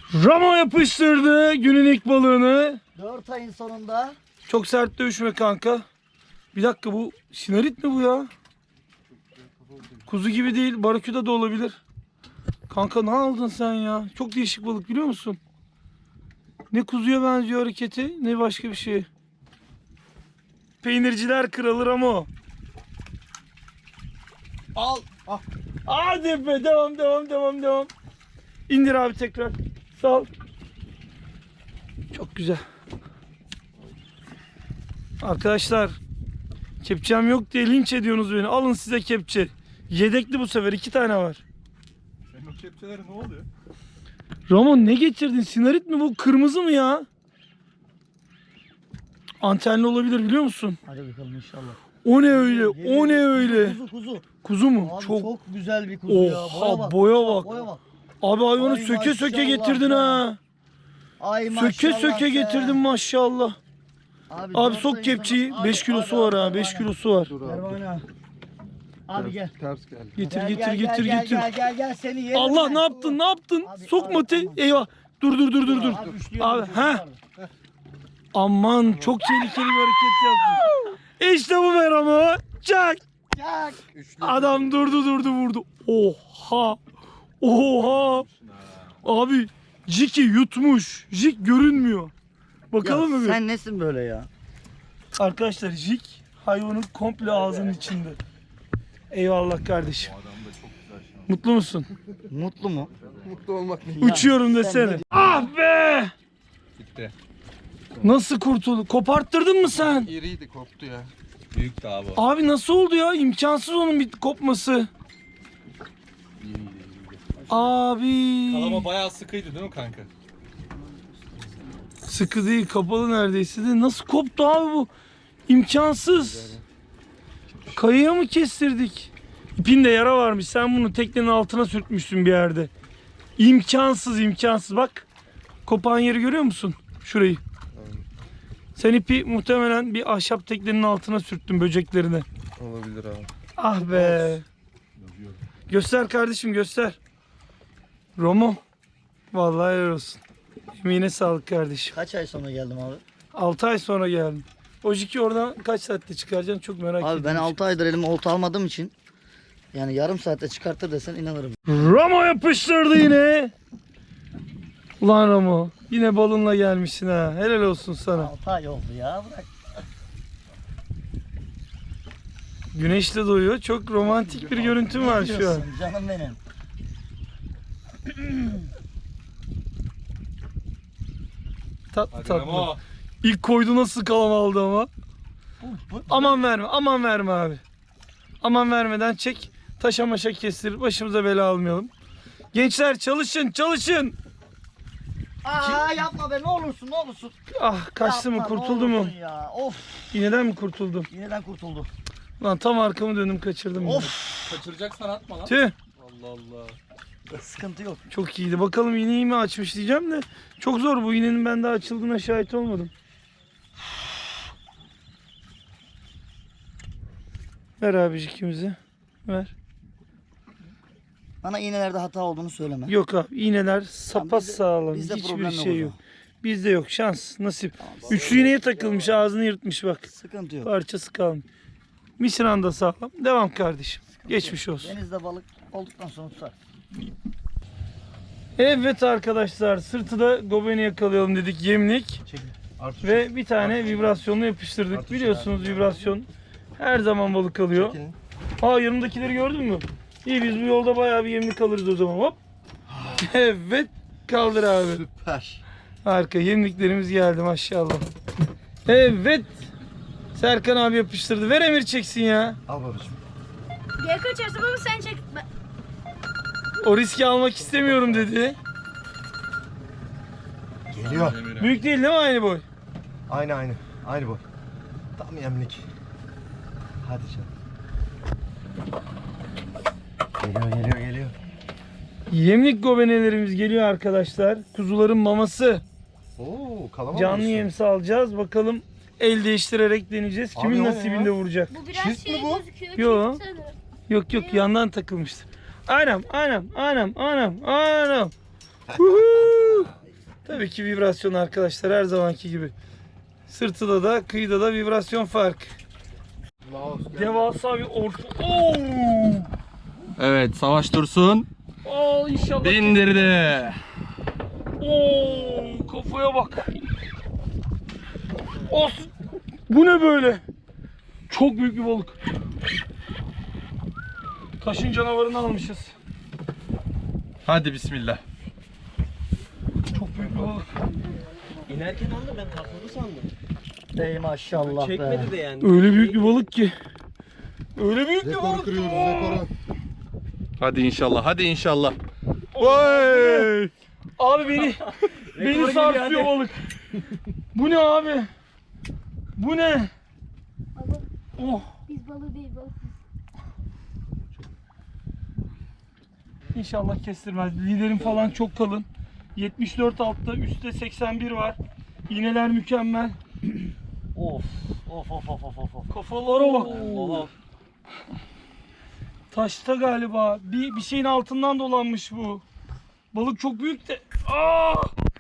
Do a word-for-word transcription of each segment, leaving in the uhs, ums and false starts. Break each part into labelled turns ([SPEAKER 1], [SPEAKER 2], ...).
[SPEAKER 1] Ramo yapıştırdı günün ilk balığını.
[SPEAKER 2] dört ayın sonunda.
[SPEAKER 1] Çok sert dövüşme kanka. Bir dakika, bu sinarit mi bu ya? Kuzu gibi değil, baraküda da olabilir. Kanka ne aldın sen ya? Çok değişik balık, biliyor musun? Ne kuzuya benziyor hareketi, ne başka bir şey. Peynirciler kralı Ramo. Al. Ah. Hadi be, devam devam devam devam. İndir abi tekrar. Sal. Çok güzel. Arkadaşlar, kepçem yok diye linç ediyorsunuz beni. Alın size kepçe. Yedekli bu sefer, iki tane var.
[SPEAKER 3] Senin o kepçelere ne oluyor?
[SPEAKER 1] Ramon, ne getirdin? Sinarit mi bu? Kırmızı mı ya? Antenli olabilir, biliyor musun?
[SPEAKER 2] Hadi bakalım inşallah.
[SPEAKER 1] O ne öyle? O ne öyle?
[SPEAKER 2] Kuzu kuzu.
[SPEAKER 1] Kuzu mu?
[SPEAKER 2] Abi
[SPEAKER 1] çok.
[SPEAKER 2] çok, güzel bir kuzu ya. Boya
[SPEAKER 1] Oha,
[SPEAKER 2] bak.
[SPEAKER 1] boya bak.
[SPEAKER 2] Boya bak.
[SPEAKER 1] Abi hayvanı
[SPEAKER 2] Ay
[SPEAKER 1] söke söke
[SPEAKER 2] maşallah
[SPEAKER 1] getirdin
[SPEAKER 2] ya.
[SPEAKER 1] ha.
[SPEAKER 2] Ay maşallah.
[SPEAKER 1] Söke söke
[SPEAKER 2] be.
[SPEAKER 1] getirdin maşallah.
[SPEAKER 2] Abi,
[SPEAKER 1] Abi
[SPEAKER 2] dört
[SPEAKER 1] sok
[SPEAKER 2] ayın
[SPEAKER 1] kepçeyi.
[SPEAKER 2] sonu-
[SPEAKER 1] beş
[SPEAKER 2] Abi,
[SPEAKER 1] kilosu
[SPEAKER 2] abi,
[SPEAKER 1] var
[SPEAKER 2] abi,
[SPEAKER 1] ha. beş
[SPEAKER 2] abi.
[SPEAKER 1] kilosu var.
[SPEAKER 3] Dur
[SPEAKER 2] Ver
[SPEAKER 3] abi.
[SPEAKER 2] bana. Abi gel.
[SPEAKER 3] Ters geldi.
[SPEAKER 1] Getir
[SPEAKER 2] Gel,
[SPEAKER 1] getir
[SPEAKER 2] gel,
[SPEAKER 1] getir
[SPEAKER 2] gel,
[SPEAKER 1] getir.
[SPEAKER 2] Gel gel gel seni yerim
[SPEAKER 1] Allah,
[SPEAKER 2] ben.
[SPEAKER 1] ne yaptın? Ne yaptın?
[SPEAKER 2] Abi,
[SPEAKER 1] Sokma
[SPEAKER 2] abi,
[SPEAKER 1] te.
[SPEAKER 2] tamam.
[SPEAKER 1] Eyvah. Dur dur dur dur dur.
[SPEAKER 2] Abi, üçlüyorum,
[SPEAKER 1] Abi,
[SPEAKER 2] üçlüyorum
[SPEAKER 1] ha.
[SPEAKER 2] abi.
[SPEAKER 1] Aman, çok tehlikeli bir hareket yaptın. İşte bu be Ramo. Çak.
[SPEAKER 2] Çak.
[SPEAKER 3] Üçlü.
[SPEAKER 1] Adam durdu durdu vurdu. Oha. Oha. Abi Jiki yutmuş. Jik görünmüyor. Bakalım mı? bir?
[SPEAKER 2] Sen nesin böyle ya?
[SPEAKER 1] Arkadaşlar, Jik hayvanın komple ağzının içinde. Eyvallah kardeşim.
[SPEAKER 3] Adam da çok güzel şu an.
[SPEAKER 1] Mutlu musun?
[SPEAKER 2] Mutlu mu?
[SPEAKER 3] Mutlu olmak ne?
[SPEAKER 1] Uçuyorum
[SPEAKER 2] sen
[SPEAKER 1] desene.
[SPEAKER 2] de-
[SPEAKER 1] Ah be!
[SPEAKER 3] Gitti.
[SPEAKER 1] Nasıl kurtuldu? Koparttırdın mı sen?
[SPEAKER 3] İriydi, koptu ya. Büyük de abi.
[SPEAKER 1] Abi nasıl oldu ya? İmkansız onun bir kopması.
[SPEAKER 3] İyiydi, iyiydi.
[SPEAKER 1] Abi.
[SPEAKER 3] Kalama bayağı sıkıydı değil mi kanka?
[SPEAKER 1] Sıkı değil, kapalı neredeyse de. Nasıl koptu abi bu? İmkansız. Kayaya mı kestirdik? İpinde yara varmış. Sen bunu teknenin altına sürtmüşsün bir yerde. İmkansız, imkansız. Bak. Kopan yeri görüyor musun? Şurayı. Sen ipi muhtemelen bir ahşap teknenin altına sürttün, böceklerine.
[SPEAKER 3] Olabilir abi.
[SPEAKER 1] Ah be. Göster kardeşim, göster. Romo. Vallahi helal olsun. Emeğine sağlık kardeşim.
[SPEAKER 2] Kaç ay sonra geldim abi?
[SPEAKER 1] altı ay sonra geldim. O jiki oradan kaç saatte çıkaracaksın, çok merak ediyorum.
[SPEAKER 2] Abi ben altı aydır elime olta almadığım için yani yarım saatte çıkartır desen inanırım.
[SPEAKER 1] Ramo yapıştırdı yine. Ulan Ramo, yine balınla gelmişsin ha. Helal olsun sana.
[SPEAKER 2] altı ay oldu ya, bırak.
[SPEAKER 1] Güneşle doyuyor. Çok romantik bir görüntüm var şu an.
[SPEAKER 2] Diyorsun, canım benim.
[SPEAKER 1] Tat
[SPEAKER 3] Hadi
[SPEAKER 1] tatlı.
[SPEAKER 3] Ramo.
[SPEAKER 1] İlk koydu, nasıl kalam aldı ama.
[SPEAKER 2] Bu-
[SPEAKER 1] Aman verme, aman verme abi. Aman vermeden çek. Taşa maşa kestir. Başımıza bela almayalım. Gençler, çalışın, çalışın.
[SPEAKER 2] Aa yapma be, ne olursun ne olursun.
[SPEAKER 1] Ah, kaçtı mı,
[SPEAKER 2] Yapma, ne
[SPEAKER 1] kurtuldu mu?
[SPEAKER 2] olursun Ya. Of,
[SPEAKER 1] İğneden mi kurtuldum?
[SPEAKER 2] yineden kurtuldu.
[SPEAKER 1] Lan tam arkamı döndüm, kaçırdım. yine.
[SPEAKER 2] Of,
[SPEAKER 3] Kaçıracaksan atma lan.
[SPEAKER 1] Tüh.
[SPEAKER 3] Allah Allah.
[SPEAKER 2] sıkıntı yok.
[SPEAKER 1] Çok iyiydi. Bakalım iğneyi mi açmış diyeceğim de. Çok zor, bu iğnenin ben daha açıldığına şahit olmadım. Ver abicik ikimizi. Ver.
[SPEAKER 2] Bana iğnelerde hata olduğunu söyleme.
[SPEAKER 1] Yok abi, iğneler sapa
[SPEAKER 2] bizde-
[SPEAKER 1] sağlam.
[SPEAKER 2] bizde
[SPEAKER 1] Hiçbir
[SPEAKER 2] problem yok o
[SPEAKER 1] şey yok.
[SPEAKER 2] zaman.
[SPEAKER 1] Bizde yok. Şans, nasip. Üçlü iğneye takılmış, ağzını yırtmış bak.
[SPEAKER 2] Sıkıntı yok.
[SPEAKER 1] Parçası kalmış. Misiran da sağlam. Devam kardeşim. Geçmiş olsun.
[SPEAKER 2] Denizde balık olduktan sonra tutar.
[SPEAKER 1] Evet arkadaşlar, sırtı da gobeni yakalayalım dedik, yemlik.
[SPEAKER 3] Artık
[SPEAKER 1] Ve bir tane vibrasyonla yapıştırdık. Biliyorsunuz vibrasyon her zaman balık alıyor. Aa, yanımdakileri gördün mü? İyi, biz bu yolda bayağı bir yemlik alırız o zaman. Hop. Evet, kaldır abi.
[SPEAKER 3] süper.
[SPEAKER 1] Harika, yemliklerimiz geldi maşallah. Evet. Serkan abi yapıştırdı. Ver, Emir çeksin ya.
[SPEAKER 3] Al babacığım.
[SPEAKER 4] Geri kaçarsın ama sen çek. Ben-
[SPEAKER 1] O riski almak istemiyorum dedi.
[SPEAKER 5] Geliyor.
[SPEAKER 1] Büyük değil değil mi aynı boy?
[SPEAKER 5] Aynı aynı. Aynı boy. Tam yemlik. Hadi canım. Geliyor geliyor geliyor.
[SPEAKER 1] Yemlik gobenelerimiz geliyor arkadaşlar. Kuzuların maması.
[SPEAKER 5] Oo kalama
[SPEAKER 1] Canlı
[SPEAKER 5] diyorsun.
[SPEAKER 1] yemsi alacağız. Bakalım, el değiştirerek deneyeceğiz.
[SPEAKER 5] Abi
[SPEAKER 1] Kimin
[SPEAKER 5] o ne
[SPEAKER 1] nasibinde
[SPEAKER 5] ya?
[SPEAKER 1] vuracak?
[SPEAKER 4] Bu biraz
[SPEAKER 5] Çift mi
[SPEAKER 4] şey
[SPEAKER 5] bu?
[SPEAKER 4] gözüküyor.
[SPEAKER 1] Yo.
[SPEAKER 4] çift sanırım.
[SPEAKER 1] Yok yok, yandan takılmıştır. Anam anam anam anam anam. Huhu. Tabii ki vibrasyon arkadaşlar, her zamanki gibi. Sırtıda da kıyıda da vibrasyon fark. Devasa bir orta. Oo!
[SPEAKER 3] Evet, Savaş Dursun
[SPEAKER 1] Aa, inşallah.
[SPEAKER 3] bindirdi.
[SPEAKER 1] Oo, kafaya bak. Of. Bu ne böyle? Çok büyük bir balık. Taşın canavarını almışız.
[SPEAKER 3] Hadi bismillah.
[SPEAKER 1] Çok büyük bir balık.
[SPEAKER 6] İnerken aldı, ben takıldı sandım.
[SPEAKER 2] Ey maşallah be.
[SPEAKER 6] Çekmedi de yani.
[SPEAKER 1] Öyle büyük bir balık ki. Öyle büyük bir
[SPEAKER 5] Rekoru
[SPEAKER 1] balık.
[SPEAKER 5] kırıyoruz
[SPEAKER 1] Oo.
[SPEAKER 5] rekoru.
[SPEAKER 3] Hadi inşallah, hadi inşallah.
[SPEAKER 1] Vay! Abi beni beni
[SPEAKER 6] geliyor,
[SPEAKER 1] sarsıyor
[SPEAKER 6] hadi.
[SPEAKER 1] balık. Bu ne abi? Bu ne?
[SPEAKER 4] Baba
[SPEAKER 1] Oh.
[SPEAKER 4] biz balığı değil balık.
[SPEAKER 1] İnşallah kestirmez. Liderim falan çok kalın. yetmiş dört altta, üstte seksen bir var. İğneler mükemmel.
[SPEAKER 2] Of of of of of of.
[SPEAKER 1] Kafalara bak.
[SPEAKER 6] Oha.
[SPEAKER 1] Taşta galiba. Bir, bir şeyin altından dolanmış bu. Balık çok büyük de. Aa!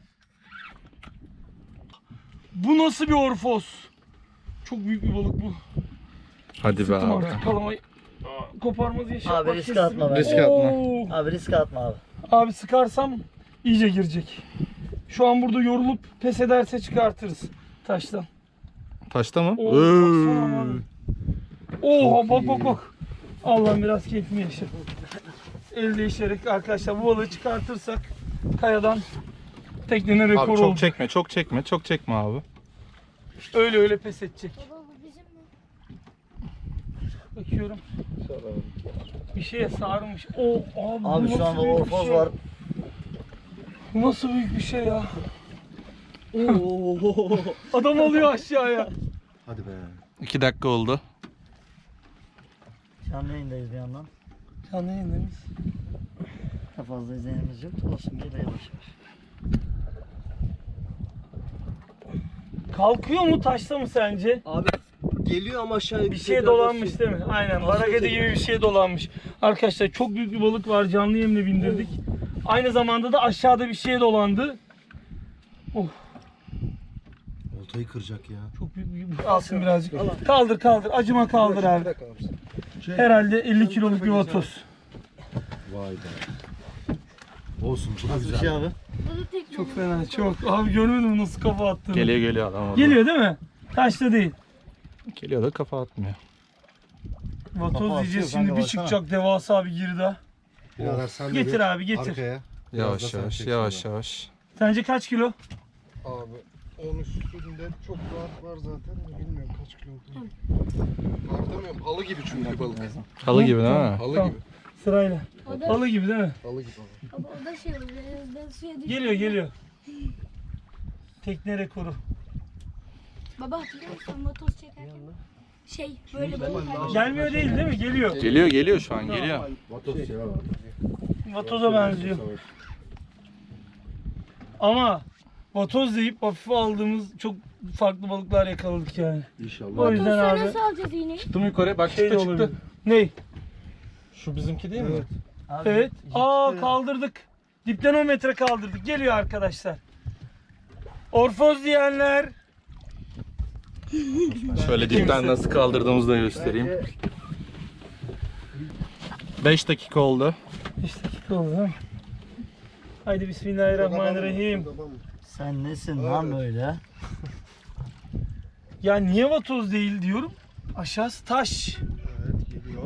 [SPEAKER 1] Bu nasıl bir orfos? Çok büyük bir balık bu.
[SPEAKER 3] Hadi be
[SPEAKER 1] Tuttum
[SPEAKER 3] abi.
[SPEAKER 1] artık kalamayı. Aa, koparmaz inşallah.
[SPEAKER 2] Abi riske
[SPEAKER 1] kestim.
[SPEAKER 2] atma bence.
[SPEAKER 3] Riske atma.
[SPEAKER 1] Oo!
[SPEAKER 2] Abi riske atma abi.
[SPEAKER 1] Abi sıkarsam iyice girecek. Şu an burada yorulup pes ederse çıkartırız taştan.
[SPEAKER 3] Taşta mı?
[SPEAKER 1] Oo, baksana abi. Oha bak bak bak. Allah'ım biraz keyfimi yaşa. El değişerek arkadaşlar bu balığı çıkartırsak kayadan teknenin rekoru
[SPEAKER 3] Abi çok
[SPEAKER 1] olur.
[SPEAKER 3] çekme, çok çekme, çok çekme abi.
[SPEAKER 1] Öyle öyle pes edecek.
[SPEAKER 4] Baba bu bizim mi?
[SPEAKER 1] Bakıyorum. Bir şeye sarmış. O abi, bu
[SPEAKER 2] Abi şu
[SPEAKER 1] nasıl
[SPEAKER 2] anda
[SPEAKER 1] büyük bir
[SPEAKER 2] orfoz
[SPEAKER 1] şey?
[SPEAKER 2] var.
[SPEAKER 1] Bu nasıl büyük bir şey ya? Adam alıyor aşağıya.
[SPEAKER 5] Hadi be.
[SPEAKER 3] İki dakika oldu.
[SPEAKER 2] Canlı yayındayız bir yandan.
[SPEAKER 1] Canlı yayındayız.
[SPEAKER 2] Çok fazla izleyenimiz yok. Olsun bir de yavaş yavaş.
[SPEAKER 1] Kalkıyor mu taşta mı sence?
[SPEAKER 6] Abi geliyor ama aşağıya
[SPEAKER 1] Bir şey dolanmış değil mi? Aynen. Baragede gibi bir şey dolanmış. Arkadaşlar çok büyük bir balık var. Canlı yemle bindirdik. Aynı zamanda da aşağıda bir şey dolandı. Oh,
[SPEAKER 5] Oltayı kıracak ya.
[SPEAKER 1] çok büyük bir alsın birazcık. Kaldır kaldır. Acıma kaldır abi. Herhalde elli kiloluk bir vatoz.
[SPEAKER 5] Vay be. Olsun bu da
[SPEAKER 2] Nasıl bir
[SPEAKER 5] güzel.
[SPEAKER 2] şey abi?
[SPEAKER 4] Balık tekne.
[SPEAKER 1] Çok fena. Çok. Abi görmedin mi nasıl kafa attığını?
[SPEAKER 3] Geliyor geliyor adam orada.
[SPEAKER 1] Geliyor değil mi? Taşta değil.
[SPEAKER 3] Geliyor da kafa atmıyor.
[SPEAKER 1] Vatoz
[SPEAKER 2] Kafa
[SPEAKER 1] diyeceğiz
[SPEAKER 2] atıyor
[SPEAKER 1] şimdi
[SPEAKER 2] kanka,
[SPEAKER 1] bir
[SPEAKER 2] baksana.
[SPEAKER 1] çıkacak devasa bir girda.
[SPEAKER 5] Birader sen de
[SPEAKER 1] Getir
[SPEAKER 5] bir
[SPEAKER 1] abi, getir.
[SPEAKER 5] Arkaya. Biraz da
[SPEAKER 3] Yavaş
[SPEAKER 5] sen
[SPEAKER 3] yavaş,
[SPEAKER 5] çek
[SPEAKER 3] yavaş
[SPEAKER 5] şuradan.
[SPEAKER 3] yavaş.
[SPEAKER 1] Sence kaç kilo?
[SPEAKER 5] Abi on üstünde çok rahat var zaten. Bilmiyorum kaç kilo olduğunu. Var demiyorum. Halı gibi çünkü balık.
[SPEAKER 3] Halı gibi değil mi?
[SPEAKER 5] Halı
[SPEAKER 1] Tamam.
[SPEAKER 5] gibi.
[SPEAKER 1] Sırayla.
[SPEAKER 4] O da,
[SPEAKER 1] Balı gibi değil mi?
[SPEAKER 5] Halı gibi.
[SPEAKER 4] baba, o da şey oluyor. Ben suya düştüm.
[SPEAKER 1] Geliyor geliyor. Tekne rekoru.
[SPEAKER 4] Baba hatırlıyor musun motor çekerken? Şey böyle balık.
[SPEAKER 1] Gelmiyor değil değil mi? Geliyor.
[SPEAKER 3] Geliyor geliyor şu an geliyor.
[SPEAKER 5] Vatos ya.
[SPEAKER 1] Vatoza benziyor. Ama vatoz deyip hafife aldığımız çok farklı balıklar yakaladık yani.
[SPEAKER 5] İnşallah.
[SPEAKER 1] O yüzden
[SPEAKER 4] Motor
[SPEAKER 1] abi
[SPEAKER 4] nasıl alacağız iğneyi?
[SPEAKER 3] Çıktım yukarı bak
[SPEAKER 1] şey de
[SPEAKER 3] çıktı
[SPEAKER 1] olabilir.
[SPEAKER 3] çıktı.
[SPEAKER 1] Ney?
[SPEAKER 3] Şu bizimki değil mi?
[SPEAKER 5] Evet.
[SPEAKER 2] Abi,
[SPEAKER 1] Evet.
[SPEAKER 2] ciddi
[SPEAKER 1] Aa
[SPEAKER 2] ya.
[SPEAKER 1] kaldırdık. Dipten on metre kaldırdık. Geliyor arkadaşlar. Orfoz diyenler.
[SPEAKER 3] Şöyle dipten nasıl kaldırdığımızı da göstereyim. beş dakika oldu.
[SPEAKER 1] beş dakika oldu ha. Haydi bismillahirrahmanirrahim.
[SPEAKER 2] Sen nesin lan böyle?
[SPEAKER 1] Ya niye vatoz değil diyorum. Aşağısı taş.
[SPEAKER 5] Evet geliyor.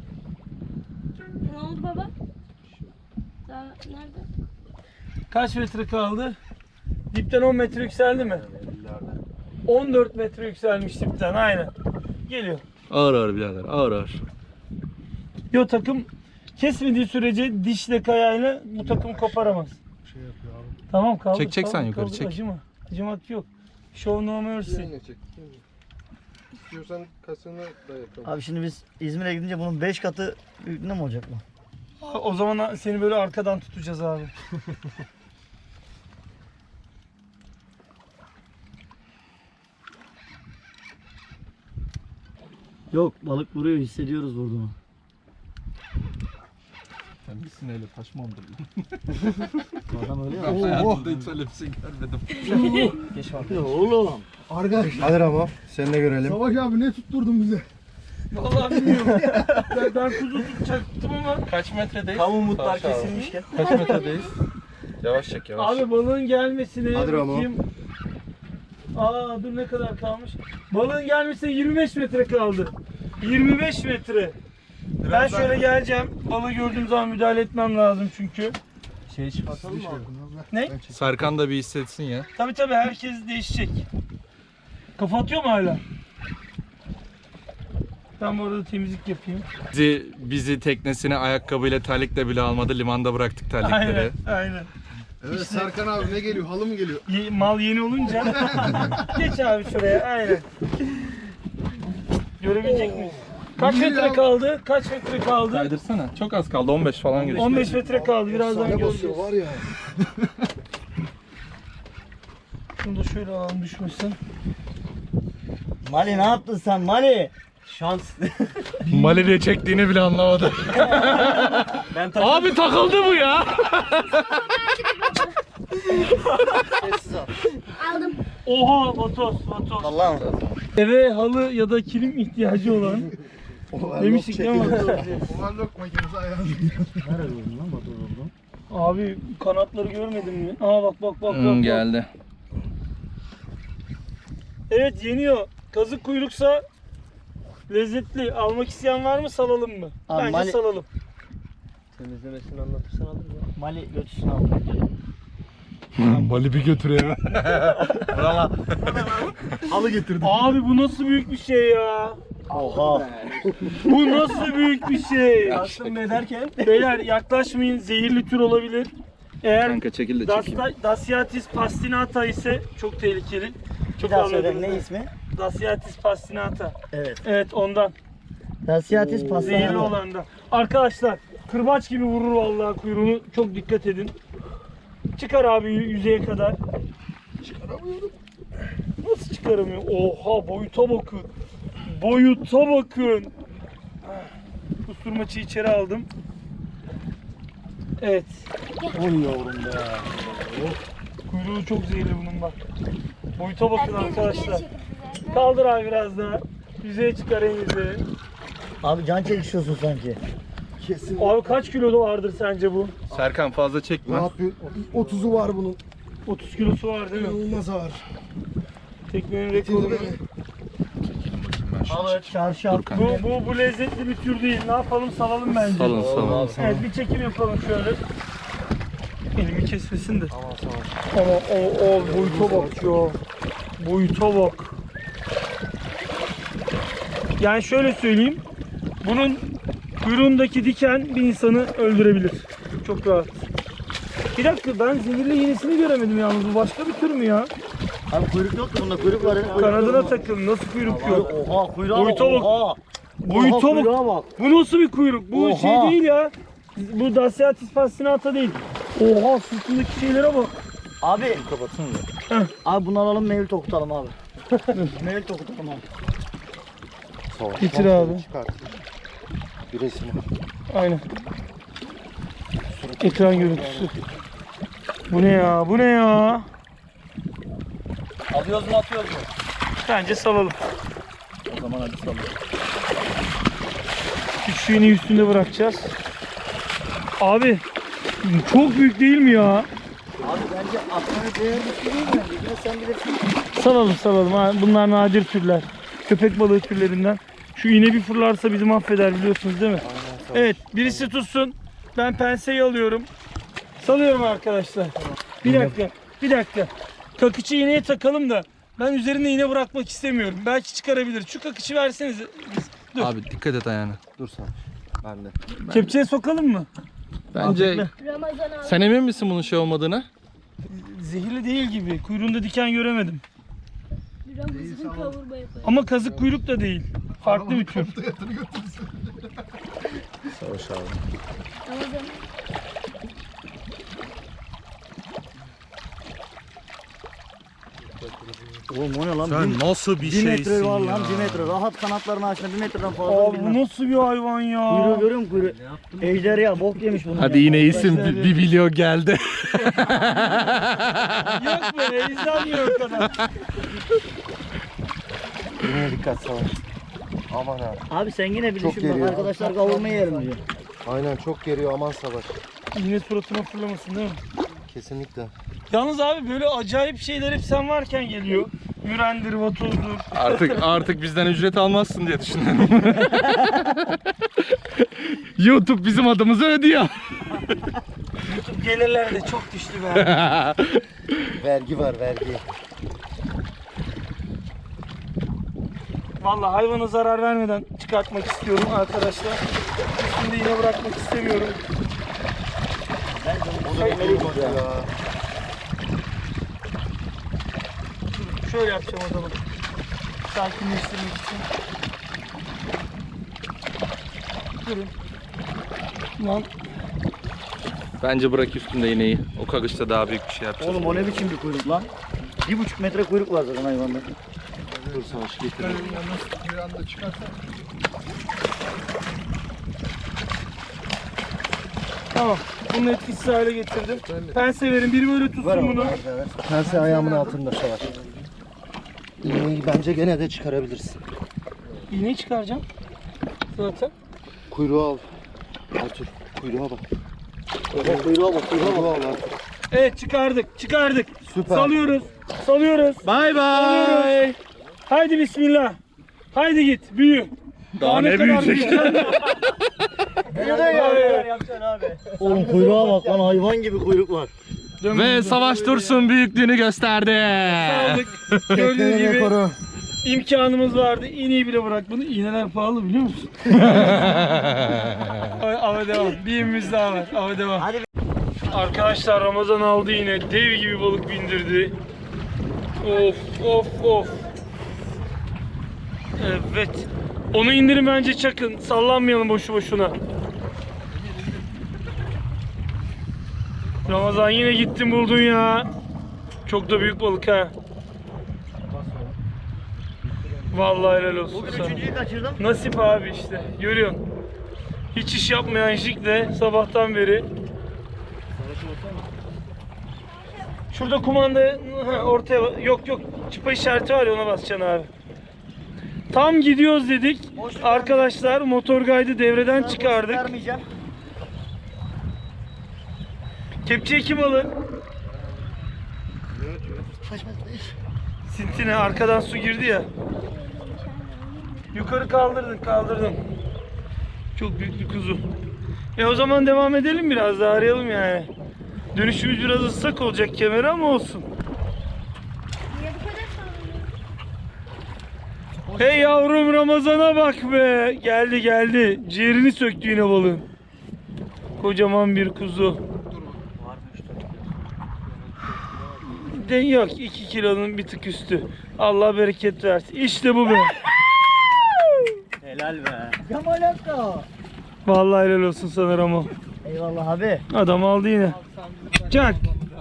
[SPEAKER 4] Ne oldu baba? Daha nerede?
[SPEAKER 1] Kaç metre kaldı? Dipten on metre yükseldi mi? on dört metre yükselmiş dipten aynen. Geliyor.
[SPEAKER 3] Ağır ağır birader ağır ağır.
[SPEAKER 1] Yo takım kesmediği sürece dişle kayayla bu takım koparamaz.
[SPEAKER 5] Şey yapıyor abi.
[SPEAKER 1] Tamam kaldır.
[SPEAKER 3] Çek, çek sen
[SPEAKER 1] kaldır,
[SPEAKER 3] yukarı,
[SPEAKER 1] kaldır.
[SPEAKER 3] çek.
[SPEAKER 1] Acıma. Acımak yok. Show no mercy.
[SPEAKER 5] Yine çek. İstiyorsan kasını da yapalım.
[SPEAKER 2] Abi şimdi biz İzmir'e gidince bunun beş katı büyüklüğünde mi olacak bu?
[SPEAKER 1] O zaman seni böyle arkadan tutacağız abi.
[SPEAKER 2] Yok balık vuruyor hissediyoruz vurduğunu.
[SPEAKER 3] sineğiyle taş mı ondurdu?
[SPEAKER 2] Adam öyle ya.
[SPEAKER 3] Ben hayatımda hiç öyle bir şey görmedim.
[SPEAKER 6] Geç var.
[SPEAKER 2] Oğlum.
[SPEAKER 5] Arkadaşlar. Hadi Ramo. Seni de görelim. Savaş abi ne tutturdun bize?
[SPEAKER 1] Vallahi bilmiyorum. ben, ben kuzu tutacaktım ama.
[SPEAKER 3] Kaç metredeyiz?
[SPEAKER 6] Tam umutlar
[SPEAKER 3] Savaş abi.
[SPEAKER 6] kesilmişken.
[SPEAKER 3] Kaç metredeyiz? Yavaş çek yavaş.
[SPEAKER 1] Abi balığın gelmesine
[SPEAKER 5] Hadi Ramo.
[SPEAKER 1] bakayım. Aa dur ne kadar kalmış? Balığın gelmesine yirmi beş metre kaldı. yirmi beş metre. Ben şöyle geleceğim. Balığı gördüğüm zaman müdahale etmem lazım çünkü.
[SPEAKER 6] Şey çıkartalım mı abi?
[SPEAKER 1] Ne?
[SPEAKER 3] Serkan da bir hissetsin ya.
[SPEAKER 1] Tabii tabii herkes değişecek. Kafa atıyor mu hala? Ben bu arada temizlik yapayım.
[SPEAKER 3] Bizi, bizi teknesine ayakkabıyla terlikle bile almadı. Limanda bıraktık terlikleri.
[SPEAKER 1] Aynen, aynen.
[SPEAKER 5] Evet Serkan abi ne geliyor? Halı mı geliyor?
[SPEAKER 1] Ye- mal yeni olunca geç abi şuraya, aynen. Görebilecek miyiz? Kaç metre kaldı? Kaç metre kaldı?
[SPEAKER 3] Kaydırsana. Çok az kaldı. on beş falan geçti.
[SPEAKER 1] on beş metre kaldı. Birazdan
[SPEAKER 5] Ne
[SPEAKER 1] göreceğiz.
[SPEAKER 5] basıyor var ya.
[SPEAKER 1] Şunu da şöyle alalım düşmesin.
[SPEAKER 2] Mali ne yaptın sen Mali?
[SPEAKER 6] Şans.
[SPEAKER 3] Mali'de çektiğini bile anlamadı.
[SPEAKER 6] Ben takıldım.
[SPEAKER 3] Abi takıldı bu ya.
[SPEAKER 2] Sessiz al.
[SPEAKER 4] Aldım.
[SPEAKER 1] Oha vatos vatos.
[SPEAKER 2] Allah'ım.
[SPEAKER 1] Eve halı ya da kilim ihtiyacı olan. Demiştik değil mi?
[SPEAKER 5] Overlock makinesi ayağını.
[SPEAKER 2] Nerede gördün lan motor oldu?
[SPEAKER 1] Abi kanatları görmedin mi? Aa bak bak bak bak.
[SPEAKER 3] Hmm,
[SPEAKER 1] bak.
[SPEAKER 3] geldi.
[SPEAKER 1] Evet yeniyor. Kazık kuyruksa lezzetli. Almak isteyen var mı salalım mı?
[SPEAKER 2] Abi,
[SPEAKER 1] Bence
[SPEAKER 2] Mali-
[SPEAKER 1] salalım.
[SPEAKER 6] Temizlemesini anlatırsan alırım ya.
[SPEAKER 2] Mali götürsün al.
[SPEAKER 3] Mali bir götürüyor.
[SPEAKER 5] Halı getirdim.
[SPEAKER 1] Abi bu nasıl büyük bir şey ya?
[SPEAKER 2] Oha.
[SPEAKER 1] Bu nasıl büyük bir şey?
[SPEAKER 6] Kastım ne derken?
[SPEAKER 1] Beyler yaklaşmayın, zehirli tür olabilir. Eğer
[SPEAKER 3] Kanka çekil de çekeyim.
[SPEAKER 1] Dasta- Daciatis pastinata ise çok tehlikeli.
[SPEAKER 2] Bir
[SPEAKER 1] Çok
[SPEAKER 2] daha söyle
[SPEAKER 1] anladınız
[SPEAKER 2] ne
[SPEAKER 1] mı?
[SPEAKER 2] ismi?
[SPEAKER 1] Daciatis pastinata.
[SPEAKER 2] Evet.
[SPEAKER 1] Evet ondan.
[SPEAKER 2] Daciatis
[SPEAKER 1] Zehirli
[SPEAKER 2] pastanı.
[SPEAKER 1] olan da. Arkadaşlar kırbaç gibi vurur vallahi kuyruğunu. Çok dikkat edin. Çıkar abi yü- yüzeye kadar. Çıkaramıyorum. Nasıl çıkaramıyor? Oha boyuta bakın. Boyuta bakın. Kusturmaçı içeri aldım. Evet.
[SPEAKER 2] Oy yavrum be.
[SPEAKER 1] Kuyruğu çok zehirli bunun bak. Boyuta bakın
[SPEAKER 4] Herkes
[SPEAKER 1] arkadaşlar.
[SPEAKER 4] geri çekildi zaten.
[SPEAKER 1] Kaldır abi biraz daha. Yüzeye çıkar en yüzeye.
[SPEAKER 2] Abi can çekişiyorsun sanki.
[SPEAKER 5] Kesin.
[SPEAKER 1] Abi kaç kilo vardır sence bu?
[SPEAKER 3] Serkan fazla çekme.
[SPEAKER 5] Rahat bir otuzu var bunun.
[SPEAKER 1] otuz kilosu var değil mi?
[SPEAKER 5] İnanılmaz ağır.
[SPEAKER 1] Teknenin
[SPEAKER 5] Bitirdi
[SPEAKER 1] rekoru.
[SPEAKER 5] beni.
[SPEAKER 2] Alır çarşı
[SPEAKER 3] Dur
[SPEAKER 2] at.
[SPEAKER 3] kanka.
[SPEAKER 1] Bu, bu, bu lezzetli bir tür değil. Ne yapalım salalım bence.
[SPEAKER 3] Salın salın.
[SPEAKER 1] Evet bir çekim yapalım şöyle. Elimi kesmesin de. Ama o, o boyuta bak ya. Boyuta bak. Yani şöyle söyleyeyim. Bunun kuyruğundaki diken bir insanı öldürebilir. Çok rahat. Bir dakika ben zehirli yenisini göremedim yalnız. Bu başka bir tür mü ya?
[SPEAKER 2] Abi kuyruk yok mu bunda? Kuyruk var. Kuyruk
[SPEAKER 1] Kanadına
[SPEAKER 2] yok mu?
[SPEAKER 1] takıldı. Nasıl kuyruk yok?
[SPEAKER 2] Oha kuyruğa bak.
[SPEAKER 1] Boyuta bak.
[SPEAKER 2] Oha.
[SPEAKER 1] Boyuta
[SPEAKER 2] Oha,
[SPEAKER 1] bak.
[SPEAKER 2] kuyruğa bak.
[SPEAKER 1] Bu nasıl bir kuyruk? Bu
[SPEAKER 2] Oha.
[SPEAKER 1] şey değil ya. Bu Daciatis pastinata değil. Oha sırtındaki şeylere bak.
[SPEAKER 2] Abi.
[SPEAKER 3] Kapatsana da.
[SPEAKER 1] Heh.
[SPEAKER 2] Abi bunu alalım mevlüt okutalım abi. Mevlüt okutalım abi.
[SPEAKER 1] Getir abi.
[SPEAKER 5] Çıkart. Bir resim al.
[SPEAKER 1] Aynen. Ekran görüntüsü. Bu ne ya? Bu ne ya?
[SPEAKER 6] Alıyoruz mu atıyoruz mu?
[SPEAKER 1] Bence salalım.
[SPEAKER 6] O zaman hadi salın.
[SPEAKER 1] Küçüğünü üstünde bırakacağız. Abi çok büyük değil mi ya?
[SPEAKER 2] Abi bence aklına değer bir şey değil mi? Ya sen bilirsin.
[SPEAKER 1] Salalım salalım. Ha, bunlar nadir türler. Köpek balığı türlerinden. Şu iğne bir fırlarsa bizi mahveder biliyorsunuz değil mi? Evet birisi tutsun. Ben penseyi alıyorum. Salıyorum arkadaşlar. Bir dakika. Bir dakika. Kakıcı iğneye takalım da ben üzerine iğne bırakmak istemiyorum. Belki çıkarabilir. Şu kakıcı versenize. Dur.
[SPEAKER 3] Abi dikkat et ayağına.
[SPEAKER 5] Dur sen. Ben de.
[SPEAKER 1] Kepçeye sokalım mı?
[SPEAKER 3] Bence
[SPEAKER 4] Ramazan abi.
[SPEAKER 3] sen emin misin bunun şey olmadığını?
[SPEAKER 1] Zehirli değil gibi. Kuyruğunda diken göremedim.
[SPEAKER 4] Ramazan kavurma yapıyor.
[SPEAKER 1] Ama kazık kuyruk da değil. Farklı bir tür.
[SPEAKER 3] Savaş abi.
[SPEAKER 4] Ramazan.
[SPEAKER 2] Oğlum o ne lan?
[SPEAKER 3] Sen
[SPEAKER 2] Bir-
[SPEAKER 3] nasıl bir
[SPEAKER 2] Bir
[SPEAKER 3] şeysin
[SPEAKER 2] metre var
[SPEAKER 3] ya?
[SPEAKER 2] lan, bir metre. Rahat kanatlarını açtı, bir metreden fazla.
[SPEAKER 1] Abi bu nasıl bir hayvan ya?
[SPEAKER 2] Kuyruğu görüyor musun kuyruğu? Ejderha bok yemiş bunu.
[SPEAKER 3] Hadi yine iyisin, bir, bir video geldi.
[SPEAKER 1] Yok be, izlenmiyor o kadar.
[SPEAKER 5] Yine dikkat savaş. Aman abi.
[SPEAKER 2] Abi sen yine bir
[SPEAKER 5] Çok
[SPEAKER 2] düşün bak,
[SPEAKER 5] geliyor.
[SPEAKER 2] arkadaşlar kavurmayı yerim diyor.
[SPEAKER 5] Aynen çok geriyor, aman savaş.
[SPEAKER 1] Yine suratına fırlamasın değil mi?
[SPEAKER 5] Kesinlikle.
[SPEAKER 1] Yalnız abi böyle acayip şeyler hep sen varken geliyor. Mürendir, vatozdur.
[SPEAKER 3] Artık artık bizden ücret almazsın diye düşünüyorum. YouTube bizim adımızı ödüyor.
[SPEAKER 1] Gelirler de çok düştü be.
[SPEAKER 5] Vergi var, vergi.
[SPEAKER 1] Vallahi hayvana zarar vermeden çıkartmak istiyorum arkadaşlar. Üstünde yine bırakmak istemiyorum.
[SPEAKER 5] O da bir bak ya.
[SPEAKER 1] Şöyle yapacağım o zaman. Sakinleştirmek için. Durun. Lan
[SPEAKER 3] Bence bırak üstünde iğneyi. O kagışta daha büyük bir şey yapacağız.
[SPEAKER 2] Oğlum o ne biçim bir kuyruk lan? Bir buçuk metre kuyruk var zaten hayvanda.
[SPEAKER 5] Dur savaş getir. Bir anda çıkarsan.
[SPEAKER 1] tamam. Bunu etkisiz hale getirdim. Pense verin. Biri böyle tutsun bunu.
[SPEAKER 5] Tersi ayağımın altında savaş. İğneyi bence gene de çıkarabilirsin.
[SPEAKER 1] İğneyi çıkaracağım. Zaten.
[SPEAKER 5] Kuyruğu al. Artur, kuyruğa bak.
[SPEAKER 2] Bak kuyruğa bak, kuyruğa
[SPEAKER 5] Kuyruğu
[SPEAKER 2] bak.
[SPEAKER 5] al Artur.
[SPEAKER 1] Evet çıkardık. Çıkardık.
[SPEAKER 5] Süper.
[SPEAKER 1] Salıyoruz. Salıyoruz.
[SPEAKER 3] Bay bay.
[SPEAKER 1] Salıyoruz. Haydi bismillah. Haydi git. Büyü.
[SPEAKER 3] Daha ne
[SPEAKER 1] kadar
[SPEAKER 3] büyüyecek?
[SPEAKER 2] Oğlum kuyruğa bak lan, hayvan gibi kuyruk var.
[SPEAKER 3] Ve Savaş Dursun büyüklüğünü gösterdi.
[SPEAKER 1] Aldık. Gördüğünüz
[SPEAKER 5] Teknenin
[SPEAKER 1] gibi
[SPEAKER 5] rekoru.
[SPEAKER 1] imkanımız vardı. İğneyi bile bırak bunu. İğneler pahalı biliyor musun? Ay, Ava devam. Bir imimiz daha var. Ava devam.
[SPEAKER 2] Hadi.
[SPEAKER 1] Arkadaşlar Ramazan aldı yine. Dev gibi balık bindirdi. Of of of. Evet. Onu indirin bence çakın. Sallanmayalım boşu boşuna. Ramazan yine gittin buldun ya. Çok da büyük balık ha. Vallahi helal olsun
[SPEAKER 2] Bugün
[SPEAKER 1] sana.
[SPEAKER 2] üçüncüyü kaçırdım.
[SPEAKER 1] Nasip abi işte. Görüyorsun. Hiç iş yapmayan Jik'le sabahtan beri. Şurada kumanda ha, ortaya yok yok çıpa işareti var ya, ona basacaksın abi. Tam gidiyoruz dedik. Arkadaşlar motor gaydı devreden çıkardık.
[SPEAKER 2] Vermeyeceğim.
[SPEAKER 1] Kepçe kim alır?
[SPEAKER 2] Saçma iş.
[SPEAKER 1] Sintine arkadan su girdi ya. Yukarı kaldırdın kaldırdın. Çok büyük bir kuzu. E o zaman devam edelim, biraz daha arayalım yani. Dönüşümüz biraz ıslak olacak kemeri ama olsun.
[SPEAKER 4] Niye bu kadar sağlamıyor?
[SPEAKER 1] Hey yavrum, Ramazan'a bak be. Geldi geldi. Ciğerini söktü yine balığın. Kocaman bir kuzu. De yok, iki kilonun bir tık üstü. Allah bereket versin. İşte bu be.
[SPEAKER 2] Helal be. Kemal Hakkı.
[SPEAKER 1] Vallahi helal olsun sana Ramo.
[SPEAKER 2] Eyvallah abi.
[SPEAKER 1] Adam aldı yine. Çak.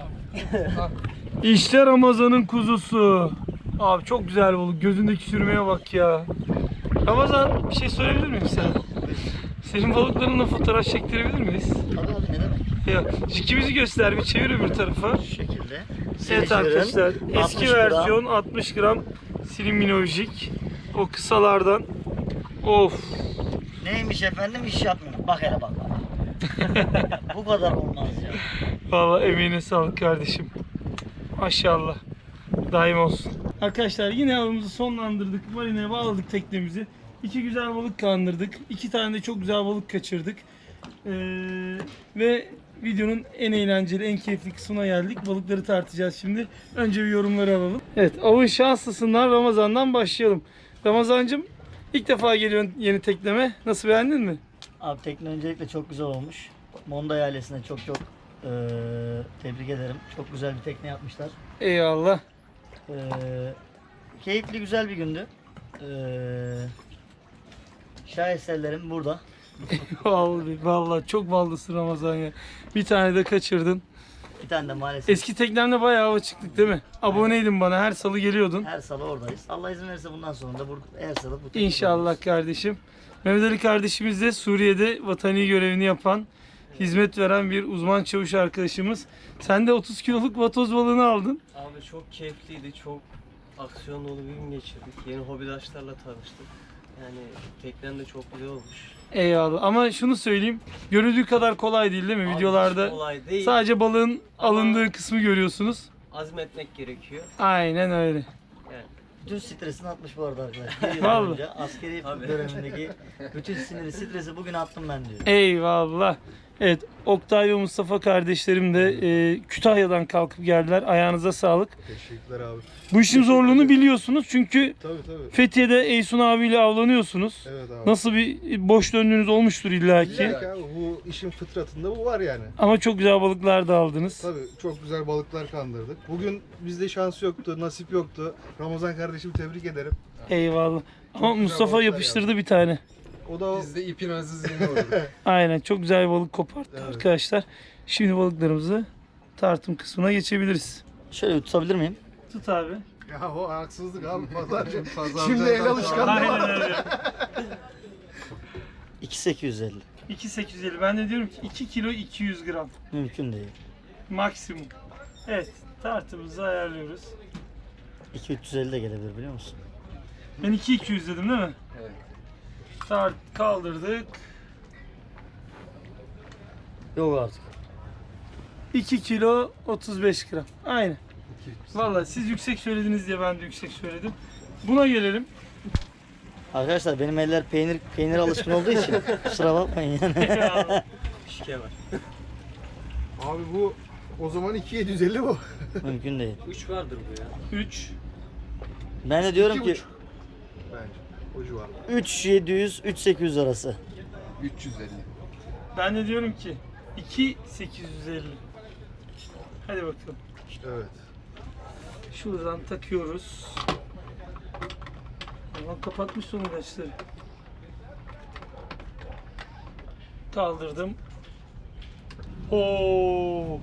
[SPEAKER 1] İşte Ramazan'ın kuzusu. Abi çok güzel balık. Gözündeki sürmeye bak ya. Ramazan, bir şey söyleyebilir miyim sana? Senin balıklarınla fotoğraf çektirebilir miyiz?
[SPEAKER 2] Tabii abi, ne demek?
[SPEAKER 1] Ya, jikimizi göster, bir çevir öbür tarafa.
[SPEAKER 2] Şu şekilde.
[SPEAKER 1] Evet arkadaşlar, eski
[SPEAKER 2] altmış gram.
[SPEAKER 1] versiyon altmış gram Silimino jig. O kısalardan. Of.
[SPEAKER 2] Neymiş efendim, iş yapmıyor. Bak hele bak. Bu kadar olmaz ya.
[SPEAKER 1] Vallahi emeğine sağlık kardeşim. Maşallah. Daim olsun. Arkadaşlar yine avımızı sonlandırdık. Marineye bağladık teknemizi. İki güzel balık kandırdık. İki tane de çok güzel balık kaçırdık. Ee, ve videonun en eğlenceli, en keyifli kısmına geldik. Balıkları tartacağız şimdi. Önce bir yorumları alalım. Evet, avın şanslısından Ramazan'dan başlayalım. Ramazancığım, ilk defa geliyorsun yeni tekneme. Nasıl, beğendin mi?
[SPEAKER 2] Abi tekne öncelikle çok güzel olmuş. Monday ailesine çok çok eee, tebrik ederim. Çok güzel bir tekne yapmışlar.
[SPEAKER 1] Eyvallah.
[SPEAKER 2] Eee, keyifli güzel bir gündü. Eee şaheserlerim burada.
[SPEAKER 1] Vallahi, vallahi çok ballısın Ramazan ya. Bir tane de kaçırdın.
[SPEAKER 2] Bir tane de maalesef.
[SPEAKER 1] Eski teknemde bayağı hava çıktık değil mi? Aboneydin bana, her salı geliyordun.
[SPEAKER 2] Her salı oradayız. Allah izin verirse bundan sonra da burada her salı bu teknede
[SPEAKER 1] İnşallah
[SPEAKER 2] oluruz.
[SPEAKER 1] kardeşim. Mehmet Ali kardeşimiz de Suriye'de vatani görevini yapan, hizmet veren bir uzman çavuş arkadaşımız. Sen de otuz kiloluk vatoz balığını aldın.
[SPEAKER 6] Abi çok keyifliydi. Çok aksiyon dolu bir gün geçirdik. Yeni hobidaşlarla tanıştık. Yani teknen de çok güzel olmuş.
[SPEAKER 1] Eyvallah. Ama şunu söyleyeyim. Görüldüğü kadar kolay değil değil mi?
[SPEAKER 6] Abi
[SPEAKER 1] Videolarda
[SPEAKER 6] hiç kolay değil.
[SPEAKER 1] sadece balığın
[SPEAKER 6] Ama-
[SPEAKER 1] alındığı kısmı görüyorsunuz.
[SPEAKER 6] Azmetmek gerekiyor.
[SPEAKER 1] Aynen öyle.
[SPEAKER 6] Yani
[SPEAKER 2] Bütün stresini atmış bu arada arkadaşlar. Bir yıl
[SPEAKER 1] Vallahi.
[SPEAKER 2] önce askeri
[SPEAKER 6] Tabii.
[SPEAKER 2] dönemindeki bütün siniri, stresi bugün attım ben diyor.
[SPEAKER 1] Eyvallah. Evet, Oktay ve Mustafa kardeşlerim de e, Kütahya'dan kalkıp geldiler. Ayağınıza sağlık.
[SPEAKER 5] Teşekkürler abi.
[SPEAKER 1] Bu işin zorluğunu biliyorsunuz çünkü
[SPEAKER 5] Tabii tabii.
[SPEAKER 1] Fethiye'de Eysun abiyle avlanıyorsunuz.
[SPEAKER 5] Evet abi.
[SPEAKER 1] Nasıl bir boş döndüğünüz olmuştur illaki.
[SPEAKER 5] İlla ki abi, bu işin fıtratında bu var yani.
[SPEAKER 1] Ama çok güzel balıklar da aldınız.
[SPEAKER 5] Tabii çok güzel balıklar kandırdık. Bugün bizde şans yoktu, nasip yoktu. Ramazan kardeşimi tebrik ederim.
[SPEAKER 1] Eyvallah. Ama
[SPEAKER 5] güzel
[SPEAKER 1] Mustafa
[SPEAKER 5] balıklar
[SPEAKER 1] yapıştırdı bir tane.
[SPEAKER 5] O da
[SPEAKER 7] Biz de ipin azizliğinde olduk.
[SPEAKER 1] Aynen, çok güzel bir balık koparttı
[SPEAKER 5] Evet.
[SPEAKER 1] arkadaşlar. Şimdi balıklarımızı tartım kısmına geçebiliriz.
[SPEAKER 2] Şöyle tutabilir miyim?
[SPEAKER 1] Tut abi.
[SPEAKER 5] ya o haksızlık abi pazarcı.
[SPEAKER 7] Pazarcı
[SPEAKER 5] Şimdi el
[SPEAKER 7] adam-
[SPEAKER 5] alışkanlığı
[SPEAKER 1] Aynen
[SPEAKER 5] var.
[SPEAKER 1] öyle.
[SPEAKER 2] iki bin sekiz yüz elli.
[SPEAKER 1] iki bin sekiz yüz elli. Ben de diyorum ki iki kilo iki yüz gram.
[SPEAKER 2] Mümkün değil.
[SPEAKER 1] Maksimum. Evet, tartımızı ayarlıyoruz.
[SPEAKER 2] iki bin üç yüz elli de gelebilir biliyor musun?
[SPEAKER 1] Ben iki bin iki yüz dedim değil mi?
[SPEAKER 7] Evet.
[SPEAKER 1] Tart kaldırdık.
[SPEAKER 2] Yok artık.
[SPEAKER 1] iki kilo otuz beş gram. Aynen. Vallahi siz yüksek söylediniz diye ben de yüksek söyledim. Buna gelelim.
[SPEAKER 2] Arkadaşlar benim eller peynir peynir alışkın olduğu için kusura bakmayın yani.
[SPEAKER 6] şike var.
[SPEAKER 5] Abi bu o zaman iki bin yedi yüz elli bu.
[SPEAKER 2] Mümkün değil.
[SPEAKER 6] üç vardır bu ya.
[SPEAKER 1] üç.
[SPEAKER 2] Ben de diyorum
[SPEAKER 5] İki
[SPEAKER 2] ki
[SPEAKER 5] buçuk. Bence o civar.
[SPEAKER 2] üç bin yedi yüz üç bin sekiz yüz arası.
[SPEAKER 7] üç yüz elli.
[SPEAKER 1] Ben de diyorum ki iki bin sekiz yüz elli. Hadi bakalım.
[SPEAKER 5] Evet.
[SPEAKER 1] Şuradan takıyoruz. Ama kapatmış son ilaçları. Kaldırdım. Oo.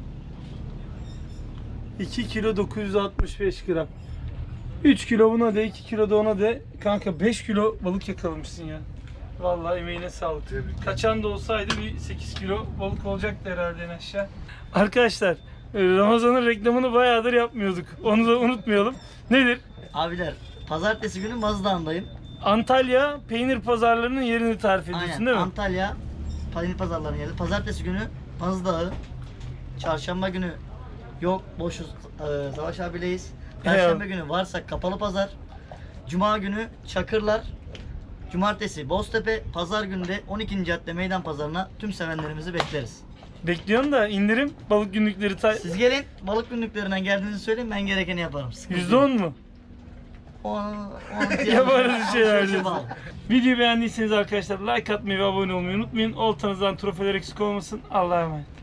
[SPEAKER 1] iki kilo dokuz yüz altmış beş gram. üç kilo buna de, iki kilo da ona de. Kanka beş kilo balık yakalamışsın ya. Vallahi emeğine sağlık.
[SPEAKER 5] Tebrikler.
[SPEAKER 1] Kaçan da olsaydı bir sekiz kilo balık olacaktı herhalde en aşağı. Arkadaşlar, Ramazan'ın reklamını bayağıdır yapmıyorduk. Onu da unutmayalım. Nedir?
[SPEAKER 2] Abiler pazartesi günü Mazdağ'ındayım.
[SPEAKER 1] Antalya peynir pazarlarının yerini tarif ediyorsun
[SPEAKER 2] Aynen.
[SPEAKER 1] değil mi?
[SPEAKER 2] Antalya peynir pazarlarının yeri. Pazartesi günü Mazdağı. Çarşamba günü yok boşuz. Ee, Savaş abileyiz. Perşembe günü varsa kapalı pazar. Cuma günü Çakırlar. Cumartesi Boztepe. Pazar günü de on ikinci cadde meydan pazarına tüm sevenlerimizi bekleriz.
[SPEAKER 1] Bekliyorum da indirim balık günlükleri ta-
[SPEAKER 2] Siz gelin balık günlüklerinden geldiğinizi söyleyin ben gerekeni yaparım. Sıkıntı
[SPEAKER 1] yüzde
[SPEAKER 2] yok.
[SPEAKER 1] on mu?
[SPEAKER 2] On- on-
[SPEAKER 1] Yaparız bir şeyler
[SPEAKER 2] on-
[SPEAKER 1] diyorsun. Videoyu beğendiyseniz arkadaşlar like atmayı ve abone olmayı unutmayın. Oltanızdan trofeler eksik olmasın. Allah'a emanet.